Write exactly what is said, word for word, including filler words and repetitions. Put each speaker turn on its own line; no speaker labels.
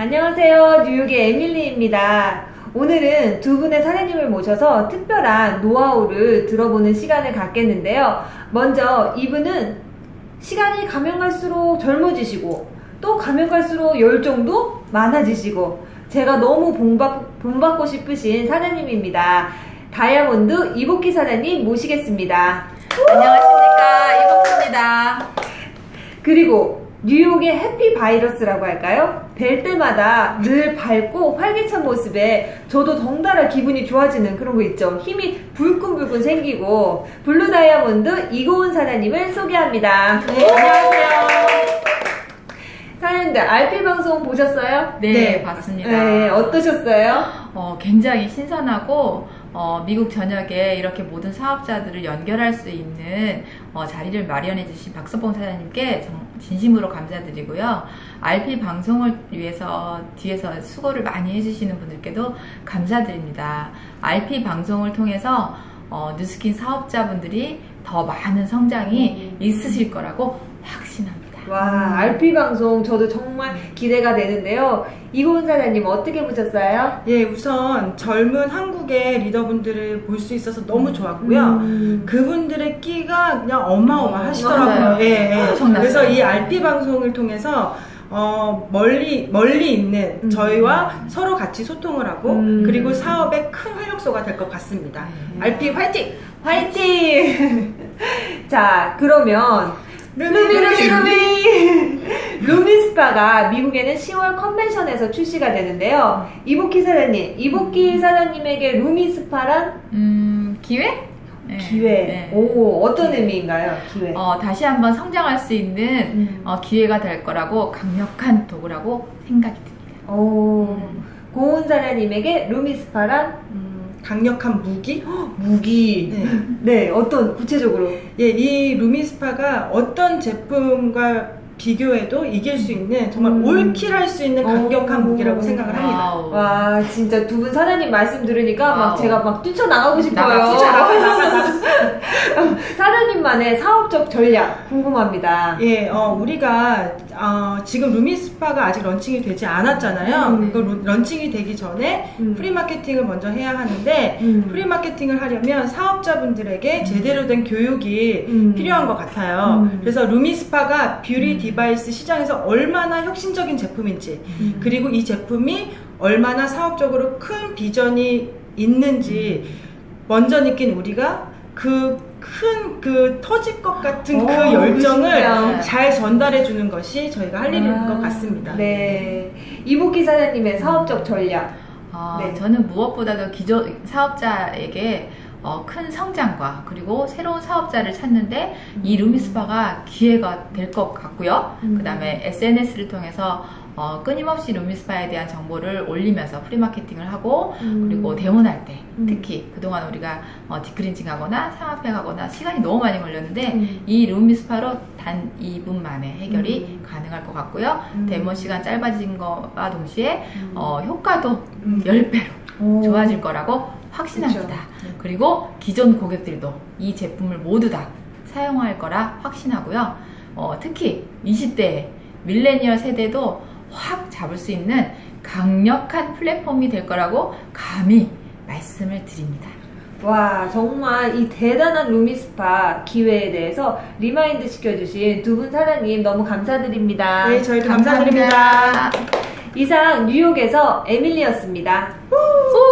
안녕하세요. 뉴욕의 에밀리입니다. 오늘은 두 분의 사장님을 모셔서 특별한 노하우를 들어보는 시간을 갖겠는데요. 먼저 이분은 시간이 가면 갈수록 젊어지시고 또 가면 갈수록 열정도 많아지시고 제가 너무 본받, 본받고 싶으신 사장님입니다. 다이아몬드 이복희 사장님 모시겠습니다.
안녕하십니까, 이복희입니다.
그리고 뉴욕의 해피 바이러스라고 할까요? 뵐 때마다 늘 밝고 활기찬 모습에 저도 덩달아 기분이 좋아지는 그런 거 있죠. 힘이 불끈불끈 생기고 블루 다이아몬드 이고은 사장님을 소개합니다.
네, 안녕하세요.
사장님들 알피 방송 보셨어요?
네,
네.
봤습니다.
네, 어떠셨어요?
어, 굉장히 신선하고 어, 미국 전역에 이렇게 모든 사업자들을 연결할 수 있는 어, 자리를 마련해 주신 박서봉 사장님께 정, 진심으로 감사드리고요. 알피 방송을 위해서 뒤에서 수고를 많이 해주시는 분들께도 감사드립니다. 알피 방송을 통해서 어, 뉴스킨 사업자분들이 더 많은 성장이 있으실 거라고 확신합니다.
와, 알피 방송 저도 정말 기대가 되는데요. 이고은 사장님 어떻게 보셨어요?
예, 우선 젊은 한국의 리더분들을 볼 수 있어서 너무 좋았고요.
음.
그분들의 끼가 그냥 어마어마하시더라고요.
맞아요.
예, 예.
엄청났어요.
그래서 이 알피 방송을 통해서 어, 멀리, 멀리 있는
음.
저희와 서로 같이 소통을 하고,
음.
그리고 사업의 큰 활력소가 될 것 같습니다.
네.
알피 화이팅!
화이팅! 자, 그러면 루미
루미,
루미 루미 루미스파가 미국에는 시월 컨벤션에서 출시가 되는데요. 이복희 사장님, 이복희 사장님에게 루미스파란
음, 기회? 네.
기회.
네.
오, 어떤 의미인가요? 기회.
어, 다시 한번 성장할 수 있는
음.
어, 기회가 될 거라고 강력한 도구라고 생각이 듭니다.
오, 고은 사장님에게 루미스파란
음, 강력한 무기?
무기.
네.
네, 어떤 구체적으로?
예, 이 루미스파가 어떤 제품과 비교해도 이길 수 있는 정말
음.
올킬할 수 있는 강력한
오.
무기라고 생각을 합니다.
와우.
와, 진짜 두 분 사장님 말씀 들으니까 막
와우.
제가 막 뛰쳐나가고 싶어요.
나가,
나가, 나가, 나가.
사장님만의 사업적 전략 궁금합니다.
예, 어, 우리가 어, 지금 루미스파가 아직 런칭이 되지 않았잖아요.
음.
그 루- 런칭이 되기 전에
음.
프리마케팅을 먼저 해야 하는데
음.
프리마케팅을 하려면 사업자분들에게 제대로 된 교육이
음.
필요한 것 같아요.
음.
그래서 루미스파가 뷰티 디바이스 시장에서 얼마나 혁신적인 제품인지,
음.
그리고 이 제품이 얼마나 사업적으로 큰 비전이 있는지 먼저 느낀 우리가 그 큰 그 터질 것 같은
오,
그 열정을
그러시구나.
잘 전달해 주는 것이 저희가 할 일인
아,
것 같습니다.
네. 이복희 사장님의 사업적 전략.
어,
네.
저는 무엇보다도 기존 사업자에게 어, 큰 성장과 그리고 새로운 사업자를 찾는데 이 루미스파가 기회가 될 것 같고요.
음.
그 다음에 에스엔에스를 통해서 어, 끊임없이 루미스파에 대한 정보를 올리면서 프리마케팅을 하고
음.
그리고 대원할 때
음.
특히 그동안 우리가 어, 디크린징 하거나 상업회 하거나 시간이 너무 많이 걸렸는데
음.
이 루미스파로 단 이 분 만에 해결이
음.
가능할 것 같고요.
음.
데모 시간 짧아진 것과 동시에
음.
어, 효과도
음.
십 배로
오.
좋아질 거라고 확신합니다.
그쵸.
그리고 기존 고객들도 이 제품을 모두 다 사용할 거라 확신하고요. 어, 특히 이십 대 밀레니얼 세대도 확 잡을 수 있는 강력한 플랫폼이 될 거라고 감히 말씀을 드립니다.
와, 정말 이 대단한 루미스파 기회에 대해서 리마인드 시켜주신 두 분 사장님 너무 감사드립니다.
네, 저희도 감사드립니다.
이상 뉴욕에서 에밀리였습니다.
후!